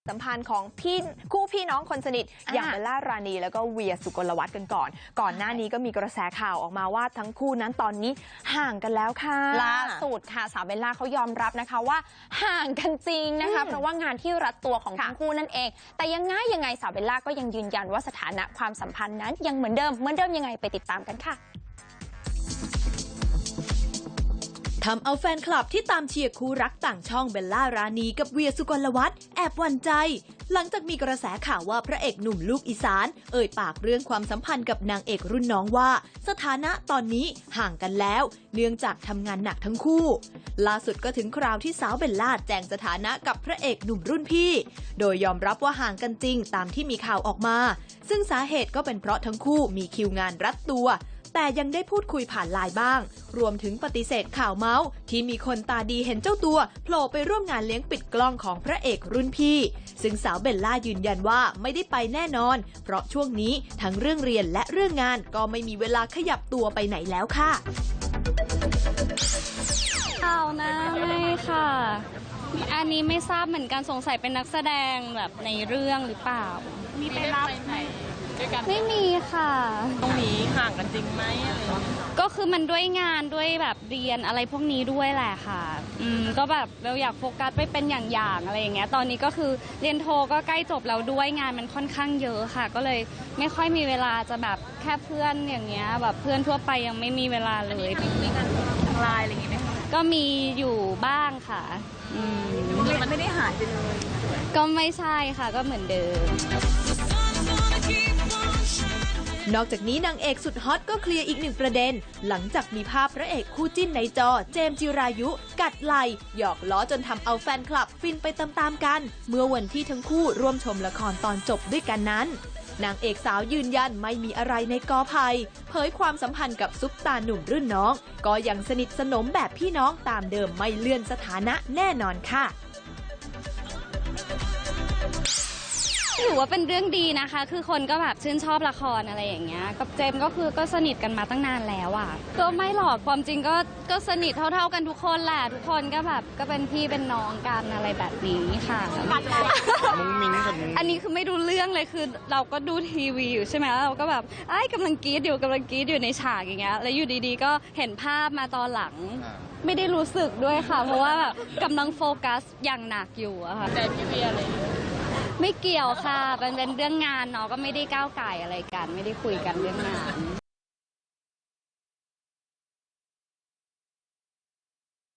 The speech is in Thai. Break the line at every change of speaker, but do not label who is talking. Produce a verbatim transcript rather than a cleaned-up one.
สัมพันธ์ของพี่คู่พี่น้องคนสนิทอย่างเบลล่ารานีแล้วก็เวียสุกลวัฒน์กันก่อนก่อนหน้านี้ก็มีกระแสข่าวออกมาว่าทั้งคู่นั้นตอนนี้ห่างกันแล้วค่ะ
ล่าสุดค่ะสาวเบลล่าเขายอมรับนะคะว่าห่างกันจริงนะคะเพราะว่างานที่รัดตัวของทั้งคู่นั่นเองแต่ยังไงยังไงสาวเบลล่าก็ยังยืนยันว่าสถานะความสัมพันธ์นั้นยังเหมือนเดิมเหมือนเดิมยังไงไปติดตามกันค่ะ
ทำเอาแฟนคลับที่ตามเชียร์คู่รักต่างช่องเบลล่ารานีกับเวียสุกลวัฒน์แอบหวั่นใจหลังจากมีกระแสข่าวว่าพระเอกหนุ่มลูกอีสานเอ่ยปากเรื่องความสัมพันธ์กับนางเอกรุ่นน้องว่าสถานะตอนนี้ห่างกันแล้วเนื่องจากทำงานหนักทั้งคู่ล่าสุดก็ถึงคราวที่สาวเบลล่าแจ้งสถานะกับพระเอกหนุ่มรุ่นพี่โดยยอมรับว่าห่างกันจริงตามที่มีข่าวออกมาซึ่งสาเหตุก็เป็นเพราะทั้งคู่มีคิวงานรัดตัวแต่ยังได้พูดคุยผ่านไลน์บ้างรวมถึงปฏิเสธข่าวเมาส์ที่มีคนตาดีเห็นเจ้าตัวโผล่ไปร่วมงานเลี้ยงปิดกล้องของพระเอกรุ่นพี่ซึ่งสาวเบลล่ายืนยันว่าไม่ได้ไปแน่นอนเพราะช่วงนี้ทั้งเรื่องเรียนและเรื่องงานก็ไม่มีเวลาขยับตัวไปไหนแล้วค่ะ
ข่าวนะไม่ค่ะอันนี้ไม่ทราบเหมือนกันสงสัยเป็นนักแสดงแบบในเรื่องหรือเปล่า
มีไปรับไหนด้วยกัน
ไม่มีค่ะ
ตรงนี้ห่างกันจริงไหมอะไร
ก็คือมันด้วยงานด้วยแบบเรียนอะไรพวกนี้ด้วยแหละค่ะอืมก็แบบเราอยากโฟกัสไปเป็นอย่างๆอะไรอย่างเงี้ยตอนนี้ก็คือเรียนโทก็ใกล้จบแล้วด้วยงานมันค่อนข้างเยอะค่ะก็เลยไม่ค่อยมีเวลาจะแบบแค่เพื่อนอย่างเงี้ยแบบเพื่อนทั่วไปยังไม่มีเวลาเลย
มีงานทางไลน์อะไรอย่างงี้ไหม
ก็มีอยู่บ้างค่ะอืม
มันไม่ได้หายไปเลย
ก็ไม่ใช่ค่ะก็เหมือนเดิม
นอกจากนี้นางเอกสุดฮอตก็เคลียร์อีกหนึ่งประเด็นหลังจากมีภาพพระเอกคู่จิ้นในจอเจมส์จิรายุกัดไหล่หยอกล้อจนทำเอาแฟนคลับฟินไปตามๆกันเมื่อวันที่ทั้งคู่ร่วมชมละครตอนจบด้วยกันนั้นนางเอกสาวยืนยันไม่มีอะไรในกอไผ่เผยความสัมพันธ์กับซุปตาหนุ่มรุ่นน้องก็ยังสนิทสนมแบบพี่น้องตามเดิมไม่เลื่อนสถานะแน่นอนค่ะ
ถือว่าเป็นเรื่องดีนะคะคือคนก็แบบชื่นชอบละครอะไรอย่างเงี้ยกับเจมก็คือก็สนิทกันมาตั้งนานแล้วอ่ะก็ไม่หรอกความจริงก็ก็สนิทเท่าๆกันทุกคนแหละทุกคนก็แบบก็เป็นพี่เป็นน้องกันอะไรแบบนี้ค่ะ
มุ้งมิ้งกับมุ้ง
อันนี้คือไม่รู้เรื่องเลยคือเราก็ดูทีวีอยู่ใช่ไหมเราก็แบบไอ้กำลังกรี๊ดอยู่กำลังกรี๊ดอยู่ในฉากอย่างเงี้ยแล้วอยู่ดีๆก็เห็นภาพมาตอนหลังไม่ได้รู้สึกด้วยค่ะเพราะว่าแบบกำลังโฟกัสอย่างหนักอยู่อะค่ะ
แต่พี่เวียอะไร
ไม่เกี่ยวค่ะเป็นเป็นเรื่องงานเนาะก็ไม่ได้ก้าวไก่อะไรกันไม่ได้คุยกันเรื่องงาน